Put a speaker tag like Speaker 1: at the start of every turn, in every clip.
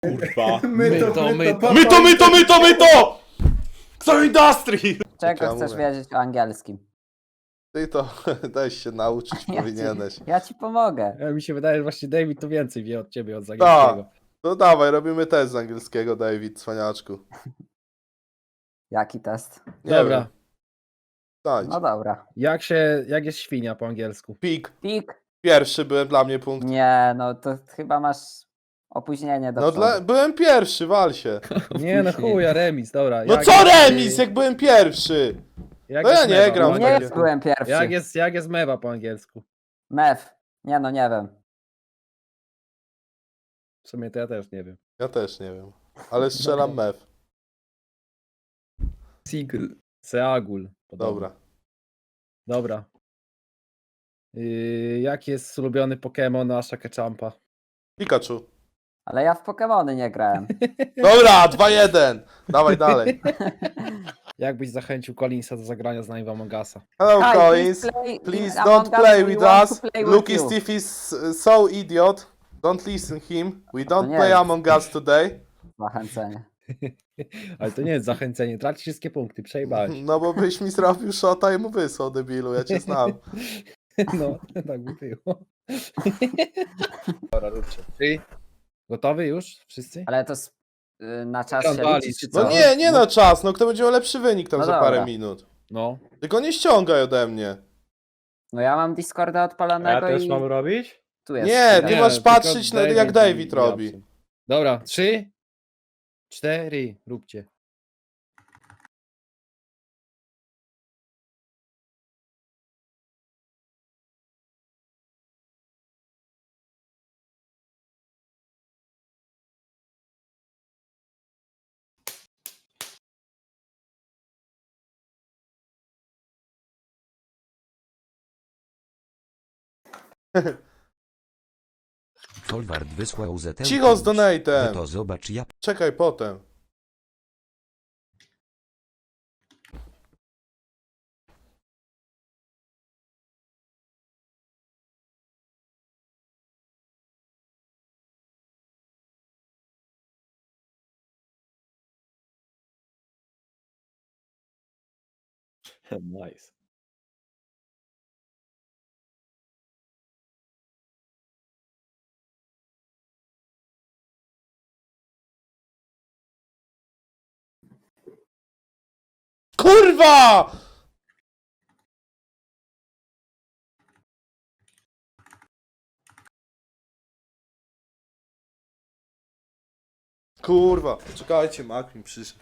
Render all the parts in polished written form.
Speaker 1: Kurwa.
Speaker 2: My to!
Speaker 1: Kto Industry!
Speaker 3: Czego
Speaker 2: Ja
Speaker 3: chcesz
Speaker 2: mówię.
Speaker 3: wiedzieć o angielskim?
Speaker 2: Ty to daj się nauczyć, powinieneś.
Speaker 3: Ja ci pomogę.
Speaker 1: Mi się wydaje, że właśnie David to więcej wie od ciebie, od angielskiego.
Speaker 2: Tak. No dawaj, robimy test z angielskiego, David, cwaniaczku.
Speaker 3: Jaki test?
Speaker 2: Nie
Speaker 1: Dobra.
Speaker 2: wiem. Daj.
Speaker 3: No dobra.
Speaker 1: Jak jest świnia po angielsku?
Speaker 2: Pik.
Speaker 3: Pik?
Speaker 2: Pierwszy byłem dla mnie punkt.
Speaker 3: Nie, no to chyba masz opóźnienie do
Speaker 2: No
Speaker 3: przodu.
Speaker 2: byłem pierwszy, wal się.
Speaker 1: Nie no chuja, remis, dobra.
Speaker 2: No
Speaker 1: Jak
Speaker 2: co
Speaker 1: jest,
Speaker 2: remis, jak byłem pierwszy?
Speaker 1: jak
Speaker 2: No ja
Speaker 1: jest
Speaker 2: nie
Speaker 1: mewa
Speaker 2: gram
Speaker 1: po
Speaker 2: w
Speaker 3: Nie
Speaker 2: takie-
Speaker 1: angielsku?
Speaker 3: byłem pierwszy.
Speaker 1: Jak jest mewa po angielsku?
Speaker 3: Mew. Nie no, nie wiem.
Speaker 1: W sumie to ja też nie wiem.
Speaker 2: Ja też nie wiem. Ale strzelam mew.
Speaker 1: Sigl. Seagul. podobno.
Speaker 2: Dobra.
Speaker 1: Dobra. Jaki jest ulubiony Pokémon Asha Ketchumpa?
Speaker 2: Pikachu.
Speaker 3: Ale ja w Pokemony nie grałem.
Speaker 2: Dobra, 2-1. Dawaj dalej.
Speaker 1: Jak byś zachęcił Collinsa do zagrania z nami w Among Usa?
Speaker 2: Hello,
Speaker 3: Hi,
Speaker 2: Collins.
Speaker 3: please
Speaker 2: Please don't play with us.
Speaker 3: Play with
Speaker 2: Lucky
Speaker 3: you.
Speaker 2: Steve is so idiot. Don't listen him. We don't
Speaker 3: nie
Speaker 2: play
Speaker 3: jest.
Speaker 2: Among Us today.
Speaker 3: Zachęcenie.
Speaker 1: Ale to nie jest zachęcenie, tracisz wszystkie punkty, przejebałeś.
Speaker 2: No bo byś mi zrobił shota i mu wysłał, debilu, ja cię znam.
Speaker 1: No, tak by było. Dobra, róbcie. Ty? Gotowy już? Wszyscy?
Speaker 3: Ale to na czas
Speaker 1: Tam
Speaker 3: się
Speaker 1: walić,
Speaker 3: liczy, czy
Speaker 1: co?
Speaker 2: No
Speaker 3: co?
Speaker 2: nie na czas, no kto będzie miał lepszy wynik tam
Speaker 3: No
Speaker 2: za
Speaker 3: dobra.
Speaker 2: parę minut.
Speaker 1: No.
Speaker 2: Tylko nie ściągaj ode mnie.
Speaker 3: No ja mam Discorda
Speaker 4: A
Speaker 3: odpalonego
Speaker 4: ja też
Speaker 3: i
Speaker 4: mam robić?
Speaker 3: tu jest.
Speaker 2: Nie,
Speaker 3: chwila.
Speaker 2: ty masz
Speaker 1: tylko
Speaker 2: patrzeć na jak David
Speaker 1: i
Speaker 2: robi.
Speaker 1: Japson. Dobra, 3, 4, róbcie.
Speaker 5: Folward wysłał ZT.
Speaker 2: Cicho z donatem.
Speaker 5: To zobacz ja.
Speaker 2: Czekaj potem.
Speaker 4: Nice.
Speaker 2: Kurwa! Kurwa, czekajcie, Mak mi przyszedł.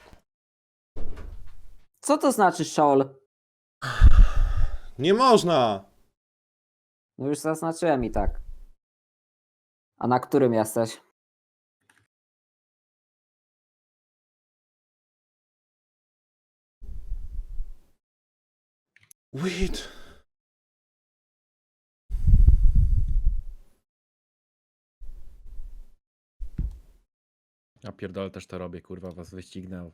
Speaker 3: Co to znaczy szol?
Speaker 2: Nie można!
Speaker 3: No już zaznaczyłem i tak. A na którym jesteś?
Speaker 2: Weed.
Speaker 1: Ja pierdolę, też to robię, kurwa, was wyścignę.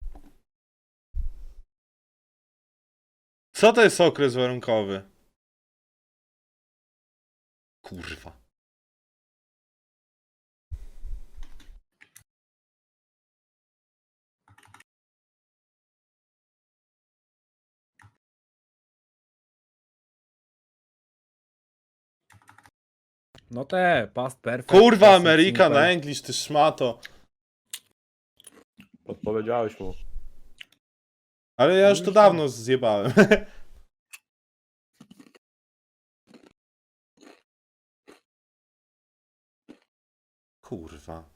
Speaker 2: Co to jest okres warunkowy? Kurwa.
Speaker 1: No te, past perfect.
Speaker 2: Kurwa,
Speaker 1: present
Speaker 2: Ameryka
Speaker 1: simple.
Speaker 2: na English, ty szmato.
Speaker 4: Podpowiedziałeś mu.
Speaker 2: Ale ja już to
Speaker 1: Już
Speaker 2: dawno zjebałem. Kurwa.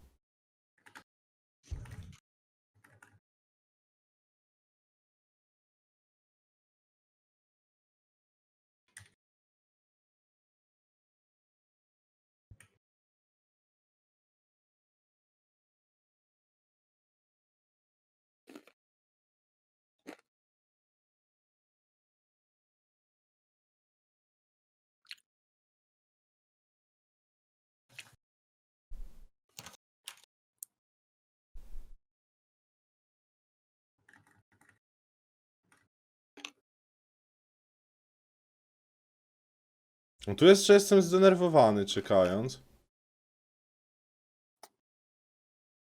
Speaker 2: No tu jest, że jestem zdenerwowany czekając.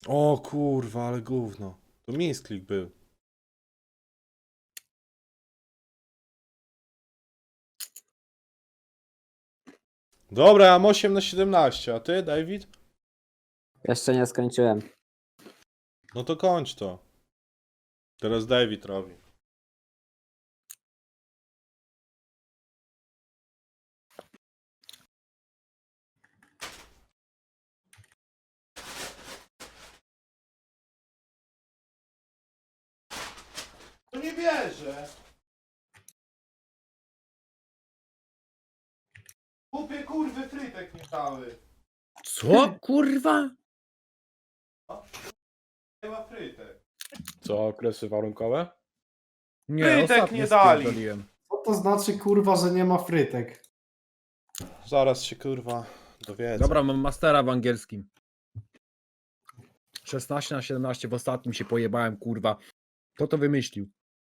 Speaker 2: O kurwa, ale gówno. To misklik był. Dobra, ja mam 8 na 17, a ty, David?
Speaker 3: Jeszcze nie skończyłem.
Speaker 2: No to kończ to. Teraz David robi. To nie wierzę. Kupie kurwy frytek nie dały.
Speaker 1: Co, kurwa?
Speaker 2: Nie ma frytek.
Speaker 1: Co, okresy warunkowe? Nie,
Speaker 2: Frytek
Speaker 1: ostatnio
Speaker 2: nie dali.
Speaker 1: spierdoliłem.
Speaker 4: Co to znaczy kurwa, że nie ma frytek?
Speaker 2: Zaraz się kurwa dowiedzę.
Speaker 1: Dobra, mam mastera w angielskim. 16 na 17 w ostatnim się pojebałem, kurwa. Kto to wymyślił?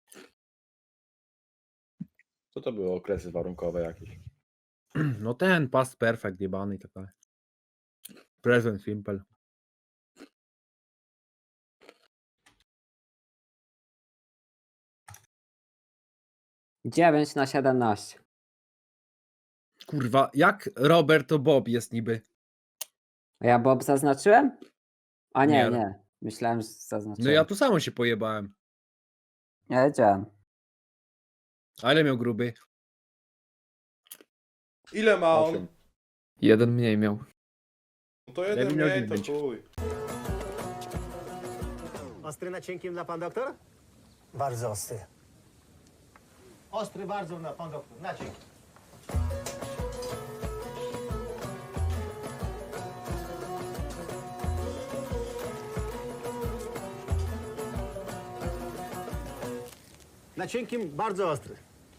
Speaker 6: Co to były okresy warunkowe jakieś?
Speaker 1: No ten past perfect jebany i tak dalej. Present simple.
Speaker 3: Dziewięć na 17.
Speaker 1: Kurwa, jak Robert to Bob jest niby?
Speaker 3: A ja Bob zaznaczyłem? A nie,
Speaker 1: Nie.
Speaker 3: nie. Myślałem, że
Speaker 1: No
Speaker 3: zaznaczyłem.
Speaker 1: ja tu samo się pojebałem.
Speaker 3: Ja wiedziałem.
Speaker 1: A ile miał gruby?
Speaker 2: Ile ma on?
Speaker 6: 8.
Speaker 7: Jeden mniej miał.
Speaker 2: No to jeden
Speaker 1: David miał
Speaker 2: mniej, to
Speaker 1: 9.
Speaker 2: chuj.
Speaker 8: Ostry na cienkim na pan doktor?
Speaker 9: Bardzo ostry.
Speaker 8: Ostry bardzo na pan doktor, na cienkim. Na cienkim bardzo ostry.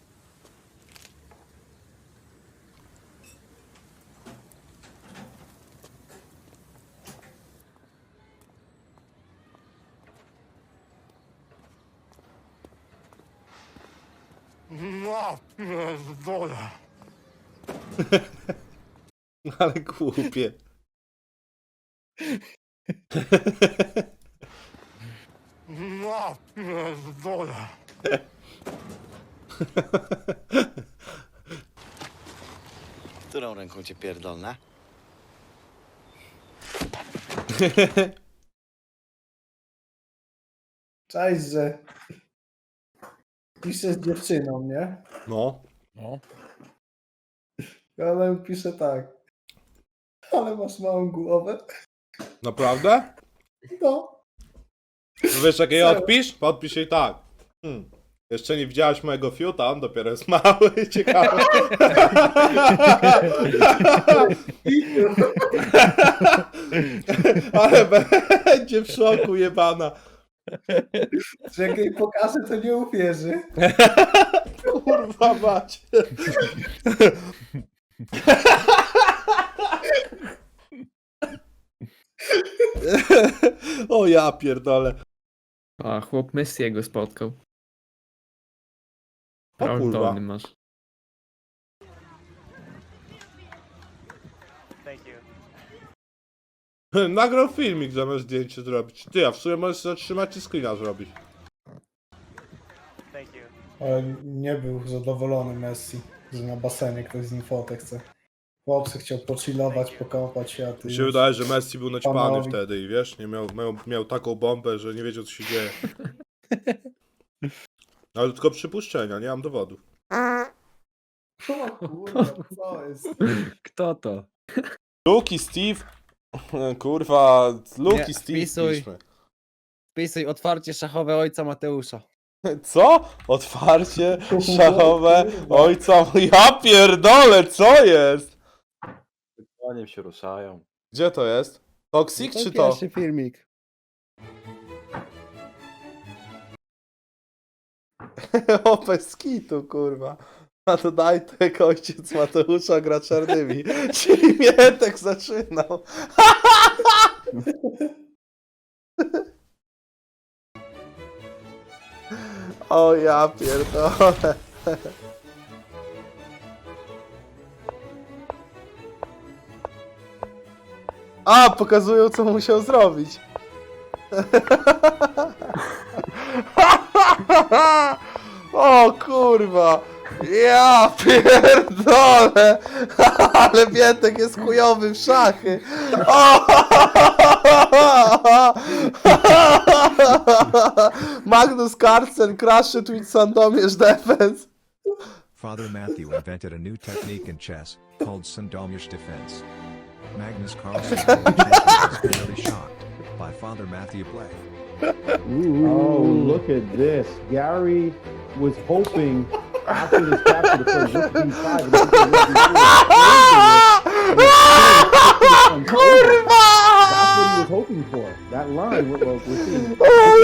Speaker 9: No, woda.
Speaker 2: Ale głupie.
Speaker 9: No, woda.
Speaker 10: Którą ręką cię pierdolna?
Speaker 4: Cześć, że pisze z dziewczyną, nie?
Speaker 2: No.
Speaker 1: No.
Speaker 4: Ale pisze tak. Ale masz małą głowę.
Speaker 2: Naprawdę?
Speaker 4: No.
Speaker 2: No wiesz jak jej
Speaker 4: Serio?
Speaker 2: odpisz? Podpisz jej tak. Jeszcze nie widziałaś mojego fiuta, on dopiero jest mały, ciekawy. Ale będzie w szoku jebana.
Speaker 4: Że jak jej pokażę, to nie uwierzy.
Speaker 2: Kurwa mać. O ja pierdolę.
Speaker 7: A chłop Messiego spotkał.
Speaker 2: O
Speaker 7: Prawym
Speaker 2: kurwa.
Speaker 7: dolnym masz.
Speaker 2: Nagrał filmik zamiast zdjęcie zrobić. Ty, a w sumie możesz zatrzymać i screena zrobić.
Speaker 4: Ale nie był zadowolony Messi, że na basenie ktoś z nim fotę chce. Chłopcy chciał pochillować, pokąpać się, a ty
Speaker 2: Mi się
Speaker 4: już-
Speaker 2: wydaje, że Messi był naćpany
Speaker 4: Panowi.
Speaker 2: wtedy i wiesz, nie miał taką bombę, że nie wiedział co się dzieje. Ale to tylko przypuszczenia, nie mam dowodów.
Speaker 4: O kurwa, co jest?
Speaker 1: Kto to?
Speaker 2: Luki Steve. Kurwa, Luki
Speaker 1: Nie,
Speaker 2: Steve
Speaker 1: wpisuj.
Speaker 2: piszmy.
Speaker 1: Wpisuj otwarcie szachowe ojca Mateusza.
Speaker 2: Co? Otwarcie szachowe ojca. Ja pierdolę, co jest?
Speaker 6: Koniem się ruszają.
Speaker 2: Gdzie to jest? Toxic czy to?
Speaker 1: Pierwszy filmik.
Speaker 2: O, bez kitu, kurwa. A to Dajtek, ojciec Mateusza gra czarnymi. Czyli Mietek zaczynał. O ja pierdolę. A, pokazują co musiał zrobić. O kurwa! Ja pierdolę! Ale Bietek jest chujowy w szachy! O! Magnus Carlsen crushed with Sandomierz defense.
Speaker 11: Father Matthew invented a new technique in chess called Sandomierz defense. Magnus Carlsen was very shocked by Father Matthew play.
Speaker 1: Oh, look at this. Gary was hoping after this capture to play rook b5.
Speaker 2: Kurwa!
Speaker 1: That's what he was hoping for. That line, we're seeing.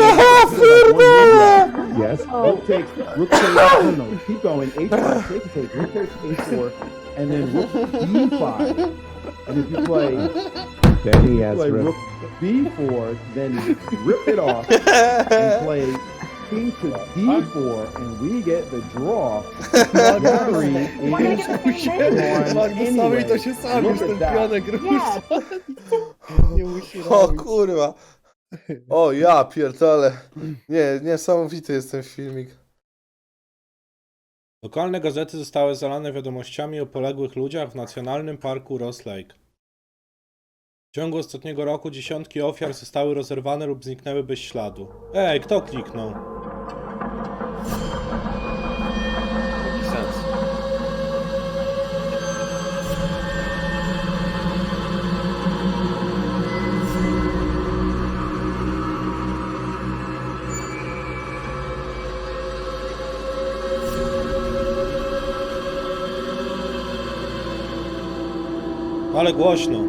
Speaker 1: Yes. Rook takes, rook takes, no, keep going. H5, take, rook takes H4, and then rook B5. And if you play, then he has rook B4, then rip it off and play king to D4, and we get the draw. Gary is anyway. Look at that.
Speaker 2: O kurwa! O ja pierdolę. Nie, niesamowity jest ten filmik.
Speaker 12: Lokalne gazety zostały zalane wiadomościami o poległych ludziach w Nacjonalnym Parku Ross Lake. W ciągu ostatniego roku dziesiątki ofiar zostały rozerwane lub zniknęły bez śladu. Ej, kto kliknął?
Speaker 6: Jaki sens?
Speaker 12: Ale głośno.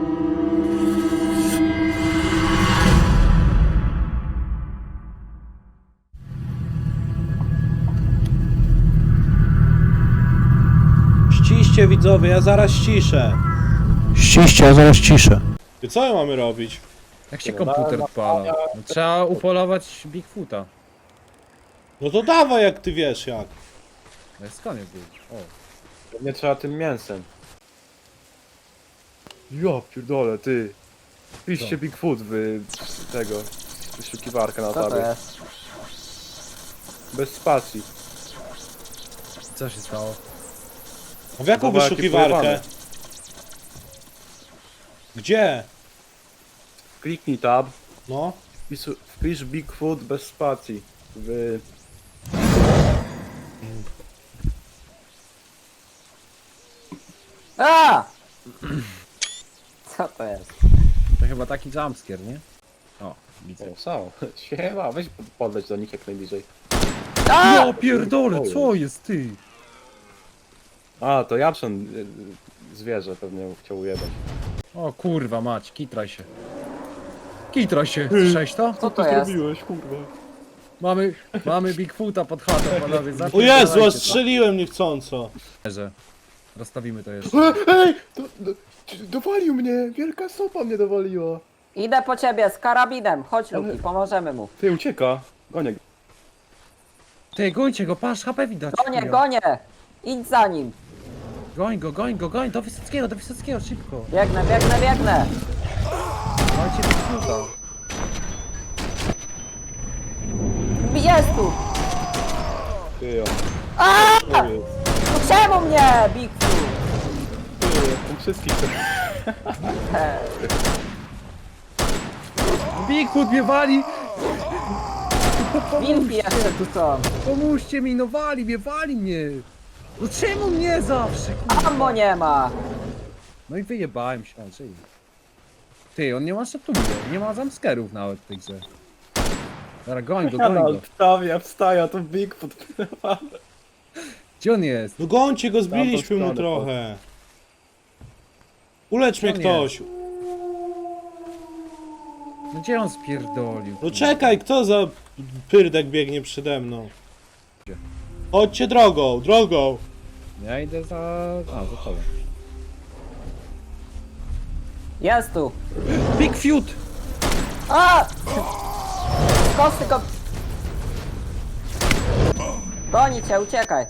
Speaker 12: Ściście widzowie, ja zaraz ściszę.
Speaker 9: Ściście, ja zaraz ciszę.
Speaker 12: I co my mamy robić?
Speaker 1: Jak się komputer odpala? No, trzeba upolować Bigfoota.
Speaker 12: No to dawaj, jak ty wiesz jak.
Speaker 1: No jest koniec był. O.
Speaker 6: Nie trzeba tym mięsem. Ja pierdolę, ty. Piszcie Bigfoot tego. Wyszukiwarkę na
Speaker 3: Co to
Speaker 6: tabie.
Speaker 3: jest?
Speaker 6: Bez spacji.
Speaker 1: Co się stało?
Speaker 12: A w jaką
Speaker 6: Dobra, jakie
Speaker 12: wyszukiwarkę?
Speaker 6: pojebane.
Speaker 12: Gdzie?
Speaker 6: Kliknij tab.
Speaker 12: No.
Speaker 6: Wpisz Bigfoot bez spacji.
Speaker 3: A! Co to jest?
Speaker 1: To chyba taki jumpscare, nie? O, widzę.
Speaker 6: O, są. Siema, weź podleć do nich jak najbliżej.
Speaker 1: Ja pierdolę, co jest ty?
Speaker 6: A, to Japson zwierzę pewnie chciał ujebać.
Speaker 1: O kurwa mać, kitraj się. Kitraj się, słyszałeś to?
Speaker 3: Co to jest?
Speaker 6: kurwa?
Speaker 1: Mamy Bigfoota pod chatą, panowie.
Speaker 12: O Jezu, strzeliłem niechcąco.
Speaker 1: Że rozstawimy to jeszcze.
Speaker 6: Ej! Dowalił mnie! Wielka sopa mnie dowaliła!
Speaker 3: Idę po ciebie z karabinem. Chodź Luki, pomożemy mu.
Speaker 6: Ty, ucieka! Goniek.
Speaker 1: Ty, gońcie go, patrz, HP widać.
Speaker 3: Gonię,
Speaker 1: chuja.
Speaker 3: gonię! Idź za nim.
Speaker 1: Goń go, do Wysockiego, szybko.
Speaker 3: Biegnę, biegnę, biegnę.
Speaker 1: Dajcie Bigfoota.
Speaker 3: Jest tu!
Speaker 6: Ty, ja.
Speaker 3: No czemu mnie, Bigfoot?
Speaker 6: Ty, wszystkich.
Speaker 1: Bigfoot mnie wali!
Speaker 3: Wilki jeszcze tu są.
Speaker 1: Pomóżcie mi, no wali mnie! No czemu mnie zawsze, kurwa?
Speaker 3: Ammo nie ma.
Speaker 1: No i wyjebałem się, czyli... Ty, on nie ma szatuli, nie ma jumpscarów nawet w tej grze. Dobra, goń go.
Speaker 6: Wstaję, to Bigfoot.
Speaker 1: Gdzie on jest?
Speaker 12: No gońcie go, zbiliśmy mu
Speaker 6: stronę,
Speaker 12: trochę. Ulecz mnie
Speaker 1: On
Speaker 12: ktoś.
Speaker 1: No gdzie on spierdolił?
Speaker 12: No czekaj, kto za pyrdek biegnie przede mną? Chodźcie drogą.
Speaker 1: Ja idę za... A, za tobą.
Speaker 3: Jest tu.
Speaker 1: Bigfoot!
Speaker 3: A! Kosty go... Goni cię, uciekaj.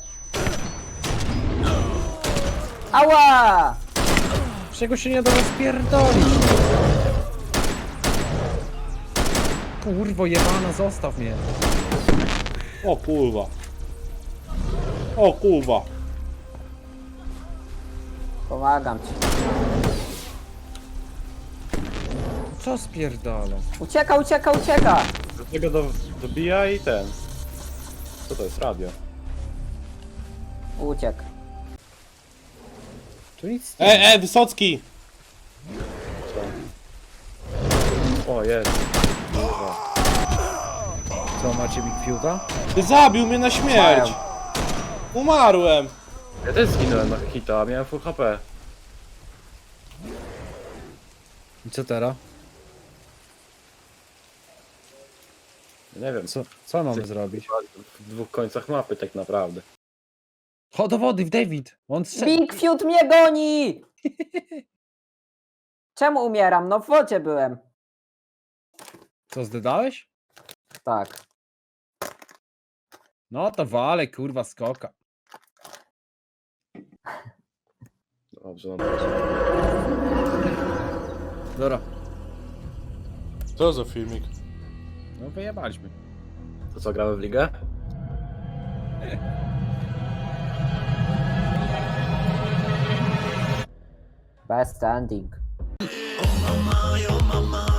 Speaker 3: Ała!
Speaker 1: Czego się nie da rozpierdolić?
Speaker 7: Kurwo jebana, zostaw mnie.
Speaker 12: O kurwa. O kurwa.
Speaker 3: Pomagam ci.
Speaker 7: Co spierdala?
Speaker 3: Ucieka, ucieka, ucieka!
Speaker 6: Do tego dobija i ten. Co to jest? Radio.
Speaker 3: Uciekł.
Speaker 7: Tu nic
Speaker 12: Wysocki!
Speaker 6: O, jest.
Speaker 7: Co, macie Big Fiuta?
Speaker 12: Ty zabił mnie na śmierć! Umarłem!
Speaker 6: Ja też zginąłem na hita, a miałem full HP.
Speaker 7: I co teraz?
Speaker 6: Nie wiem,
Speaker 7: Co mamy zrobić?
Speaker 6: w dwóch końcach mapy tak naprawdę.
Speaker 7: Chodź do wody, w David! On
Speaker 3: Big Fiut mnie goni! Czemu umieram? No w wodzie byłem.
Speaker 7: Co, zdedałeś?
Speaker 3: Tak.
Speaker 7: No to wale, kurwa, skoka.
Speaker 6: Dobrze, no dobrze.
Speaker 7: Dobra,
Speaker 12: Co za filmik?
Speaker 7: no wyjebaliśmy.
Speaker 6: To co, gramy w ligę?
Speaker 3: Best ending.